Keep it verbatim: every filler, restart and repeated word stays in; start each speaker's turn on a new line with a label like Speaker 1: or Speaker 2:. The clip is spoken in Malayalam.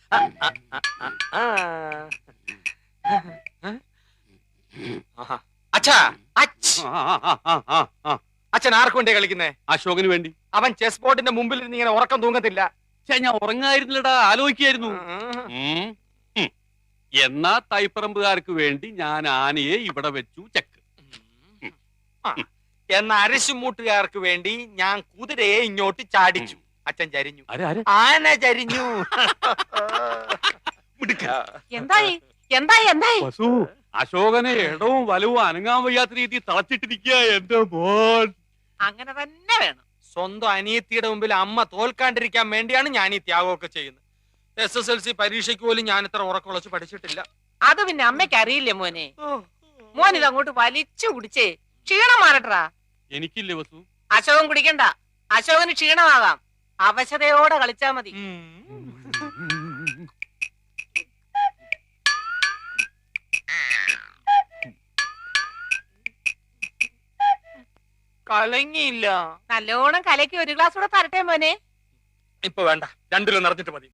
Speaker 1: അച്ഛാ, അച്ഛൻ ആർക്കു വേണ്ടിയാ കളിക്കുന്നേ?
Speaker 2: അശോകന് വേണ്ടി.
Speaker 1: അവൻ ചെസ് ബോർഡിന്റെ മുമ്പിൽ ഇരുന്ന് ഇങ്ങനെ ഉറക്കം തൂങ്ങത്തില്ല.
Speaker 2: ഞാൻ ഉറങ്ങായിരുന്നില്ലടാ, ആലോചിക്കായിരുന്നു. എന്നാ തൈപ്പറമ്പുകാർക്ക് വേണ്ടി ഞാൻ ആനയെ ഇവിടെ വെച്ചു ചെക്ക്.
Speaker 1: എന്ന അരശുമൂട്ടുകാർക്ക് വേണ്ടി ഞാൻ കുതിരയെ ഇങ്ങോട്ട് ചാടിച്ചു. അച്ഛൻ ചരിഞ്ഞു, ആന ചരിഞ്ഞു.
Speaker 3: എന്തായി എന്തായി എന്തായി?
Speaker 2: വസു, അശോകനെ ഇടവും വലവും അനങ്ങാൻ വയ്യാത്ത രീതി തളച്ചിട്ടിരിക്കുക എന്റെ മോൻ.
Speaker 3: അങ്ങനെ തന്നെ വേണം.
Speaker 1: സ്വന്തം അനിയത്തിയുടെ മുമ്പിൽ അമ്മ തോൽക്കാണ്ടിരിക്കാൻ വേണ്ടിയാണ് ഞാൻ ഈ ത്യാഗമൊക്കെ ചെയ്യുന്നത്. എസ് എസ് എൽ സി പരീക്ഷയ്ക്ക് പോലും ഞാൻ ഇത്ര ഉറക്കുളച്ച് പഠിച്ചിട്ടില്ല.
Speaker 3: അത് പിന്നെ അമ്മയ്ക്ക് അറിയില്ലേ മോനെ? മോൻ ഇത് അങ്ങോട്ട് വലിച്ചു കുടിച്ചേ ക്ഷീണം മാറട്ടാ.
Speaker 2: എനിക്കില്ലേ വസു?
Speaker 3: അശോകൻ കുടിക്കണ്ട, അശോകന് ക്ഷീണമാകാം. അവശതയോടെ കളിച്ചാ മതി.
Speaker 1: കലങ്ങിയില്ല.
Speaker 3: നല്ലോണം കലക്കി ഒരു ഗ്ലാസ് കൂടെ തരട്ടെ മോനെ?
Speaker 1: ഇപ്പൊ വേണ്ട, രണ്ടിലും നിറഞ്ഞിട്ട് മതി.